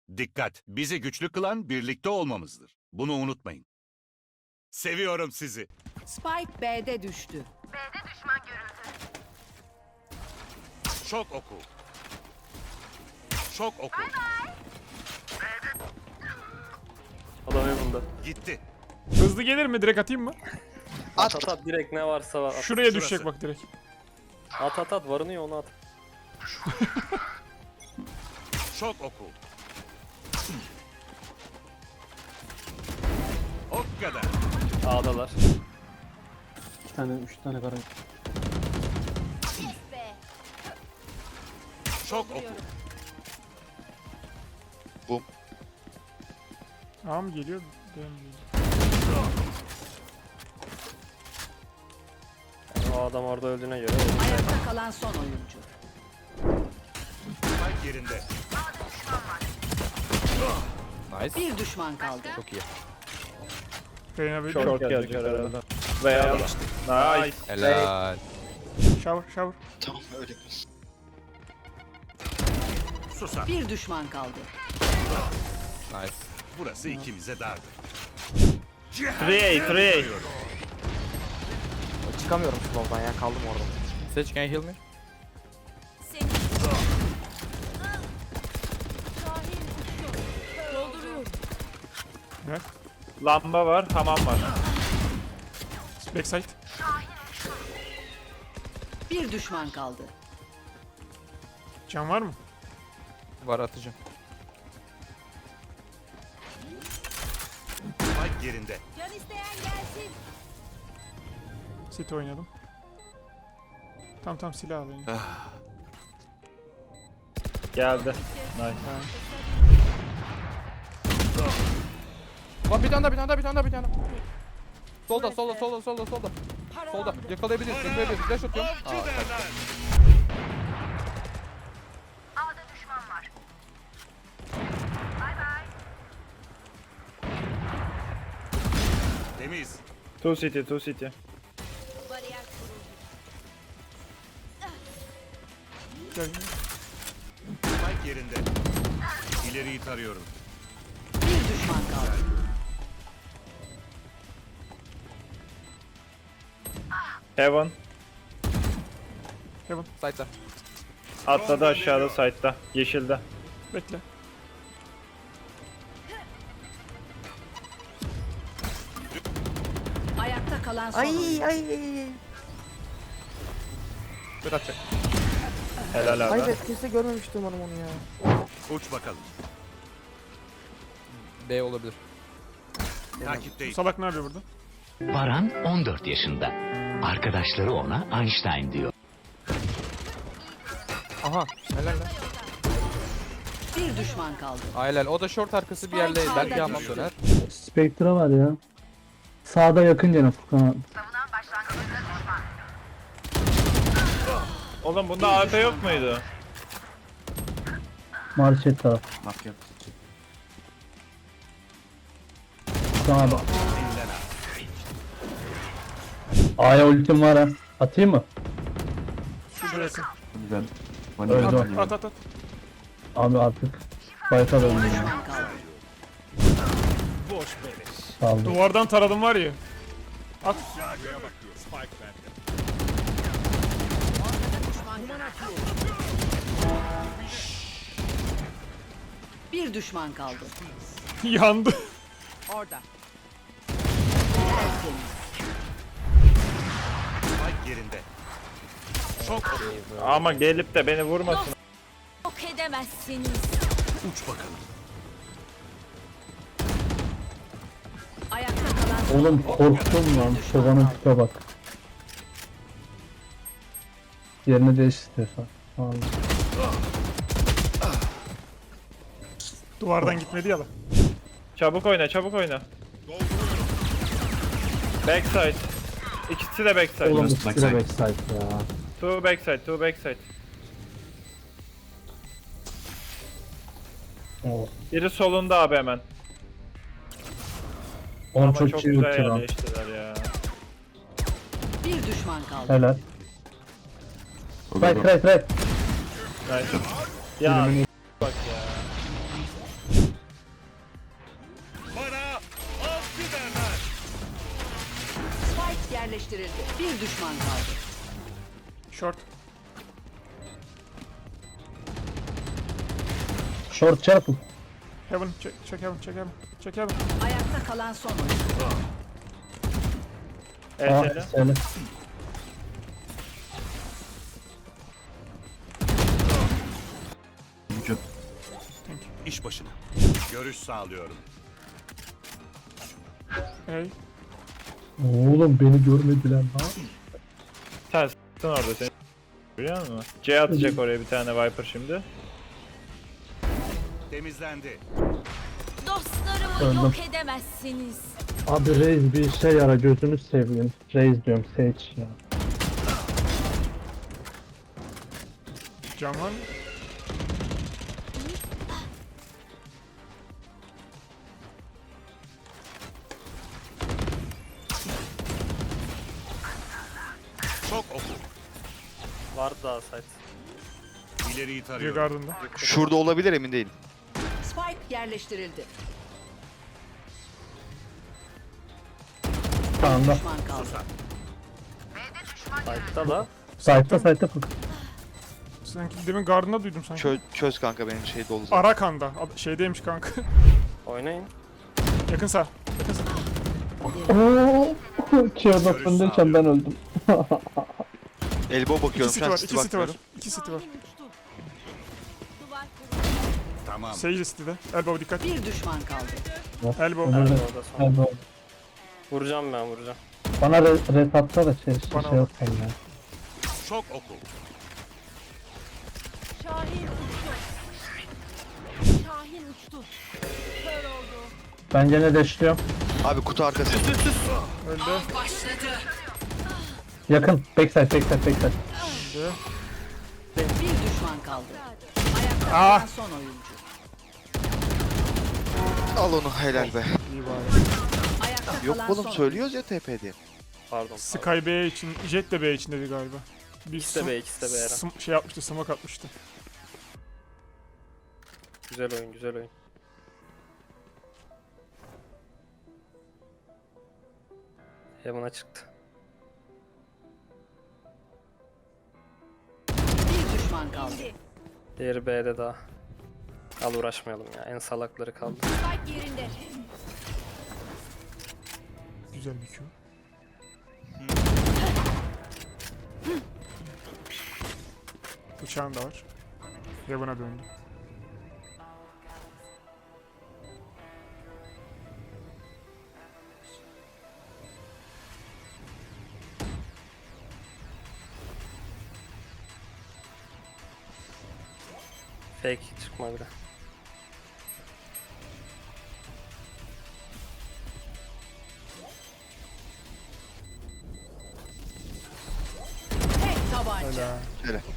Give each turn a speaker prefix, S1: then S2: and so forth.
S1: Dikkat! Bizi güçlü kılan birlikte olmamızdır. Bunu unutmayın. Seviyorum sizi.
S2: Spike B'de düştü.
S1: Şok oku. Şok oku.
S3: Adam evinde.
S1: Gitti.
S4: Hızlı gelir mi? Direkt atayım mı?
S3: At at direkt ne varsa at.
S4: Şuraya
S1: Şurası.
S4: düşecek bak direkt.
S3: At varını ya onu at.
S1: Şok oku. O kadar.
S3: A'dalar.
S5: 3 tane kara.
S1: Şok oku.
S4: A mı geliyor? B mi geliyor?
S3: Yani o adam orada öldüğüne göre.
S2: Ayakta kalan son oyuncu.
S1: Spike yerinde.
S6: Nice.
S2: Bir düşman kaldı.
S6: Çok iyi.
S4: Reyna böyle.
S5: Short gelecek herhalde. Veya nice.
S6: Helal.
S4: Shower.
S1: Susar.
S2: Bir düşman kaldı.
S6: Nice.
S1: Burası ikimize dardı.
S5: 3A.
S7: Çıkamıyorum slow'dan ya, kaldım orada.
S6: Sage, can you heal me?
S4: Ne?
S5: Lamba var, hamam var.
S4: Backside.
S2: Bir düşman kaldı.
S4: Can var mı?
S6: Var, atacağım.
S1: Spike yerinde.
S4: City oynadım. Tam silah alayım.
S5: Geldi. Nice.
S6: Lan bir tane daha. Solda. Solda. Yakalayabiliriz. Flash atıyorum.
S1: Temiz.
S5: 2 city.
S4: Gel.
S1: Spike yerinde. İleriyi tarıyorum.
S2: Bir düşman kaldı.
S5: Heaven.
S6: Side'da.
S5: Atladı aşağıda side'da. Yeşilde.
S4: Bekle.
S2: Ayakta kalan son oyuncu.
S6: Bir atacak.
S5: Helal abi.
S7: Hayır, kimse görmemişti umarım onu ya.
S1: Uç bakalım.
S6: B olabilir.
S1: Takipteyim.
S4: Salak ne yapıyor burada?
S8: Baran 14 yaşında. Arkadaşları ona Einstein diyor.
S6: Aha. Helal lan.
S2: Bir düşman kaldı.
S6: Helal. O da short arkası bir yerde.
S2: Spike
S6: Belki
S2: sağda
S6: hamam
S2: düştü.
S6: döner.
S9: Spectre var ya. Sağda yakın gene Furkan.
S5: Oğlum bunda AF yok muydu?
S9: Marşet taraf. Sana bak. A'ya ultim var ha. Atayım mı?
S4: Şurası.
S9: Öldü.
S4: At.
S9: Abi artık fight'a döndüm ya.
S2: Düşman kaldı.
S9: Sağ olun.
S4: Duvardan taradım var ya. At.
S2: Bir düşman kaldı.
S4: Yandı.
S2: Orada.
S1: Spike yerinde. Şok oku.
S5: Ama gelip de beni vurmasın.
S10: Yok edemezsiniz.
S1: Uç bakalım.
S2: Ayakta kalan son
S9: Oğlum korktum lan. Şovanın tipe bak. Yerini değiş istiyorsan. Vallahi.
S4: Duvardan gitmedi ya lan.
S5: Çabuk oyna. Backside. İkisi de backside.
S9: Oğlum bu sikire backside ya.
S5: Two backside.
S9: Oh.
S5: Biri solunda abi hemen.
S9: Oğlum
S5: Ama
S9: çok
S5: çok
S9: iyi
S5: güzel
S9: ulti lan.
S5: yerleştiler ya.
S2: bir düşman kaldı.
S9: Helal. Right.
S5: Nice. Ya bak ya.
S2: yerleştirildi. Bir düşman kaldı.
S4: Short.
S9: Short çarpın.
S4: Heaven. Check heaven. Check heaven. Check heaven.
S2: Ayakta kalan son oyuncu.
S9: Aa,
S5: ETL.
S9: söyle.
S1: İş başına. Görüş sağlıyorum.
S4: Hey.
S9: Oğlum beni görmediler lan.
S5: Sen s**tın orada seni. Biliyor musun? C atacak oraya bir tane Viper şimdi.
S1: Temizlendi.
S10: Dostlarımı
S9: Öldüm.
S10: yok edemezsiniz.
S9: Abi Reis bir işe yara gözünü seveyim. Reis diyorum Sage ya.
S4: Cam var mı?
S1: Çok oku.
S3: Vardı daha site.
S1: İleriyi
S4: Bir
S1: tarıyorum.
S4: gardında.
S7: Şurada olabilir, emin değilim.
S2: Spike yerleştirildi.
S9: Tamam da.
S2: Düşman kaldı.
S3: Site'da da.
S9: Site'da fık.
S4: Sanki demin gardında duydum sanki.
S7: Çöz kanka, benim şey dolu zaten.
S4: Arakan'da. Şeydeymiş kanka.
S3: Oynayın.
S4: Yakın sağ. Yakın sağ.
S9: Ooo. Çığırda fındayken ben öldüm.
S7: Elbow
S4: İki
S7: bakıyorum
S4: city
S7: şu an,
S4: var.
S7: city
S4: İki city var.
S7: bakmıyorum.
S4: İki city var.
S10: Duvar kurulu.
S1: Tamam.
S4: Sage city'de. Elbow dikkat.
S2: Bir düşman kaldı.
S4: Elbow.
S9: Öyle.
S3: Orada son.
S9: Elbow.
S3: Vuracağım ben vuracağım.
S9: Bana res atsa da
S4: Bana
S9: şey
S4: bak.
S9: yapsam ya.
S1: Çok oku.
S10: Şahin uçtu. Şahin uçtu. Kör oldu.
S9: Ben gene deşliyorum.
S7: Abi kutu arkası.
S4: Öldü.
S9: Yakın. Backside.
S2: Bir düşman kaldı. Ayakta
S4: Ah.
S2: kalan son oyuncu.
S7: Al onu, helal be.
S2: Ayakta
S7: Yok
S2: kalan
S7: oğlum,
S2: son
S7: söylüyoruz ya TP diye.
S3: Pardon.
S4: Sky B için. Jet de B için dedi galiba. Bir
S3: İkisi de B, ikisi de B Eren.
S4: şey yapmıştı. Smoke atmıştı.
S3: Güzel oyun, güzel oyun. Heaven'a çıktı.
S2: Bir düşman kaldı.
S3: Diğeri B'de daha. Al uğraşmayalım ya. En salakları kaldı.
S10: Spike yerinde.
S4: Güzel bir Q. Bıçağın da var. Heaven'a döndü.
S3: Fake çıkma bile.
S2: Tek tabanca.
S4: Öyle.
S7: Helal.